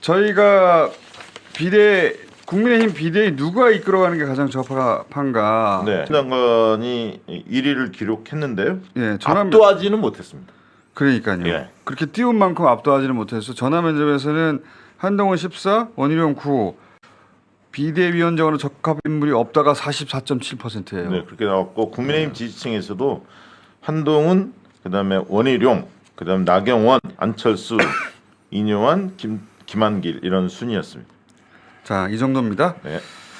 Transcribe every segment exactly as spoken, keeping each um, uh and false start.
저희가 비대 국민의힘 비대위 누가 이끌어가는 게 가장 적합한가? 네, 신당관이 일 위를 기록했는데요. 예, 전화 압도하지는 못했습니다. 그러니까요. 예. 그렇게 띄운 만큼 압도하지는 못해서 전화 면접에서는 한동훈 십사, 원희룡 구, 비대위원장으로 적합 인물이 없다가 사십사 점 칠 퍼센트예요. 네, 그렇게 나왔고 국민의힘 지지층에서도 한동훈, 그다음에 원희룡, 그다음 나경원, 안철수, 이뇨한, 김 김한길 이런 순이었습니다. 자, 이 정도입니다. 네.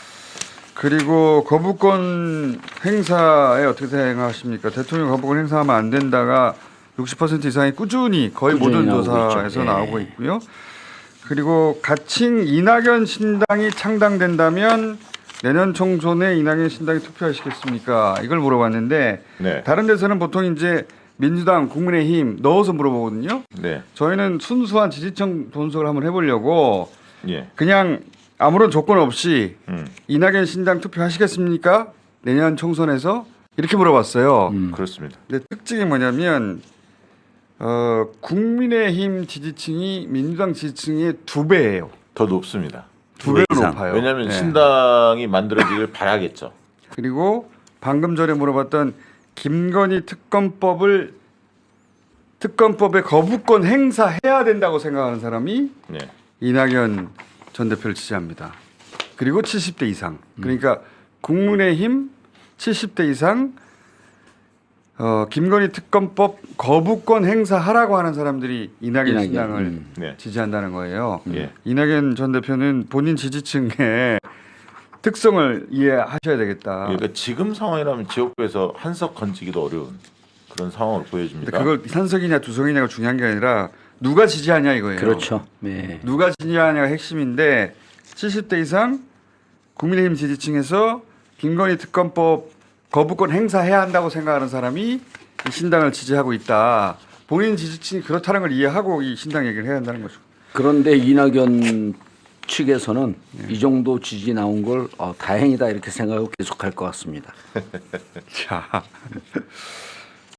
그리고 거부권 행사에 어떻게 생각하십니까? 대통령 거부권 행사하면 안 된다가 육십 퍼센트 이상이 꾸준히 거의 꾸준히 모든 나오고 조사에서 있죠. 예. 나오고 있고요. 그리고 가칭 이낙연 신당이 창당된다면 내년 총선에 이낙연 신당이 투표하시겠습니까? 이걸 물어봤는데 네. 다른 데서는 보통 이제 민주당, 국민의힘 넣어서 물어보거든요. 네. 저희는 순수한 지지층 분석을 한번 해보려고 예. 그냥 아무런 조건 없이 음. 이낙연 신당 투표하시겠습니까? 내년 총선에서 이렇게 물어봤어요. 음. 그렇습니다. 근데 특징이 뭐냐면 어, 국민의힘 지지층이 민주당 지지층의 두 배예요. 더 높습니다. 두 배로 이상. 높아요. 왜냐하면 네. 신당이 만들어지길 바라겠죠. 그리고 방금 전에 물어봤던 김건희 특검법을 특검법의 거부권 행사해야 된다고 생각하는 사람이 네. 이낙연 전 대표를 지지합니다. 그리고 칠십 대 이상. 그러니까 국민의힘 칠십 대 이상 어, 김건희 특검법 거부권 행사하라고 하는 사람들이 이낙연, 이낙연, 신당을 음. 네. 지지한다는 거예요. 예. 이낙연 전 대표는 본인 지지층의 특성을 이해하셔야 되겠다. 그러니까 지금 상황이라면 지역구에서 한석 건지기도 어려운 그런 상황을 보여줍니다. 근데 그걸 한석이냐 두석이냐가 중요한 게 아니라 누가 지지하냐 이거예요. 그렇죠. 네. 누가 지지하냐가 핵심인데 칠십 대 이상 국민의힘 지지층에서 김건희 특검법 거부권 행사해야 한다고 생각하는 사람이 이 신당을 지지하고 있다. 본인 지지층이 그렇다는 걸 이해하고 이 신당 얘기를 해야 한다는 거죠. 그런데 이낙연 측에서는 이 정도 지지 나온 걸 어, 다행이다 이렇게 생각하고 계속할 것 같습니다. 자,